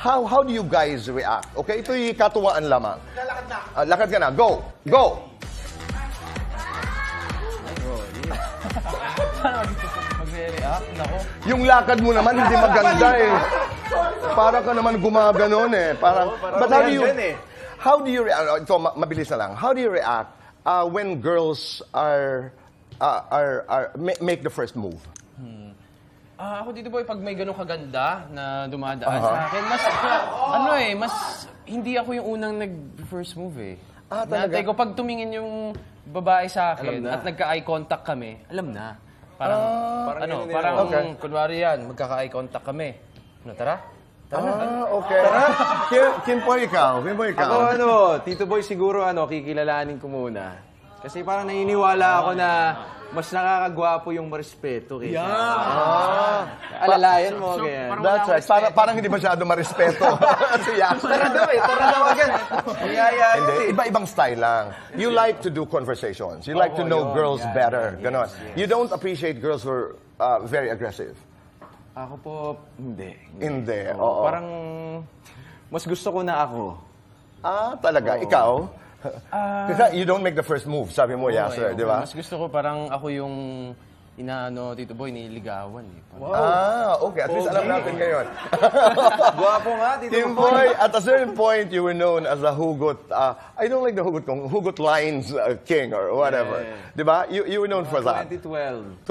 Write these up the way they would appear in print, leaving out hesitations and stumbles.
how do you guys react? Okay, ito'y katuwaan lamang. Lakad na. Lakad ka na. Go! Go! Mag-react? Nako. Yung lakad mo naman hindi maganda eh. Para ka naman gumaganon eh. Parang, but how do you react? Ito, mabilis na lang. How do you react when girls make the first move? Ako dito boy, pag may ganun kaganda na dumadaan sa akin, mas hindi ako yung unang nag-first move eh. Talaga? Natay ko, pag tumingin yung babae sa akin at nagka-eye contact kami, alam na. Parang kunwari yan, magkaka-eye contact kami. Tara? Okay. Kimpoy, ikaw. Ako Tito Boy siguro kikilalanin ko muna. Kasi parang naniniwala ako na mas nakakagwapo yung marespeto kaysa. Alalayan mo, ganyan. That's right. Parang hindi masyado marespeto. Tara daw agad. Hindi, iba-ibang style lang. You like to do conversations. You like to know girls better. Ganon. You don't appreciate girls who are very aggressive. Ako po, hindi. Hindi, oo. Parang mas gusto ko na ako. Talaga? Ikaw? Kasi you don't make the first move, sabi mo, Yasser, di ba? Mas gusto ko parang ako yung Tito Boy, nililigawan eh. Okay. At least alam natin ngayon. Gwapo nga, Tito Kimpoy, at a certain point, you were known as a hugot, I don't like the hugot lines king or whatever. Di ba? You were known for that. 2012.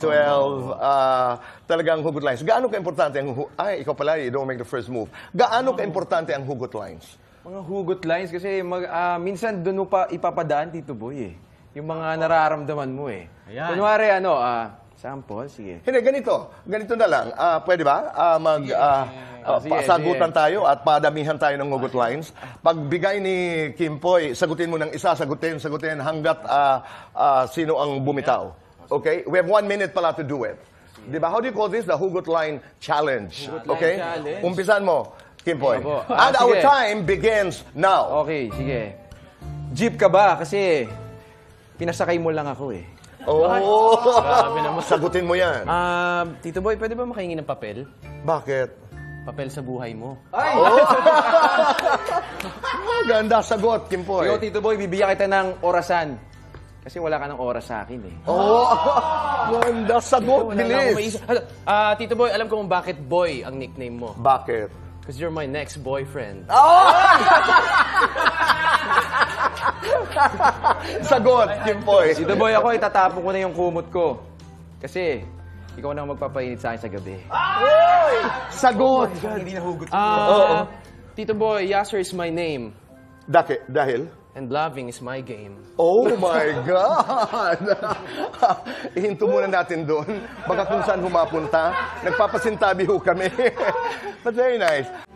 2012, talagang hugot lines. Gaano ka-importante ang ikaw pala, you don't make the first move. Gaano ka-importante ang hugot lines? Mga hugot lines kasi minsan doon mo pa ipapadaan, Tito Boy eh. Yung mga nararamdaman mo eh. Ayan. Kunwari sample, sige. Hindi, ganito na lang. Pwede ba? Sagutan tayo at padamihan tayo ng hugot lines. Pagbigay ni Kimpoy, sagutin mo ng isa, sagutin hanggat sino ang bumitaw. Okay? We have 1 minute pala to do it. Diba? How do you call this? The hugot line challenge. Okay? Umpisan mo, Kimpoy. And our time begins now. Okay, sige. Jeep ka ba? Kasi pinasakay mo lang ako eh. Grabe naman. Sagutin mo yan. Tito Boy, pwede ba makahingi ng papel? Bakit? Papel sa buhay mo. Ganda sagot, Kimpoy. Yo, Tito Boy, bibigyan kita ng orasan. Kasi wala ka ng oras sa akin eh. Ganda sagot, Wala na akong bilis. maisip. Tito Boy, alam ko kung bakit Boy ang nickname mo. Bakit? Because you're my next boyfriend. Sagot, Kimpoy. Tito Boy, ako itatapon ko na yung kumot ko. Kasi ikaw na ang magpapainit sa akin sa gabi. Sagot. Tito Boy, Yasser is my name. Dahil? And loving is my game. Oh my God! Ihinto muna natin doon. Baka kung saan humapunta. Nagpapasintabi ho kami. But very nice.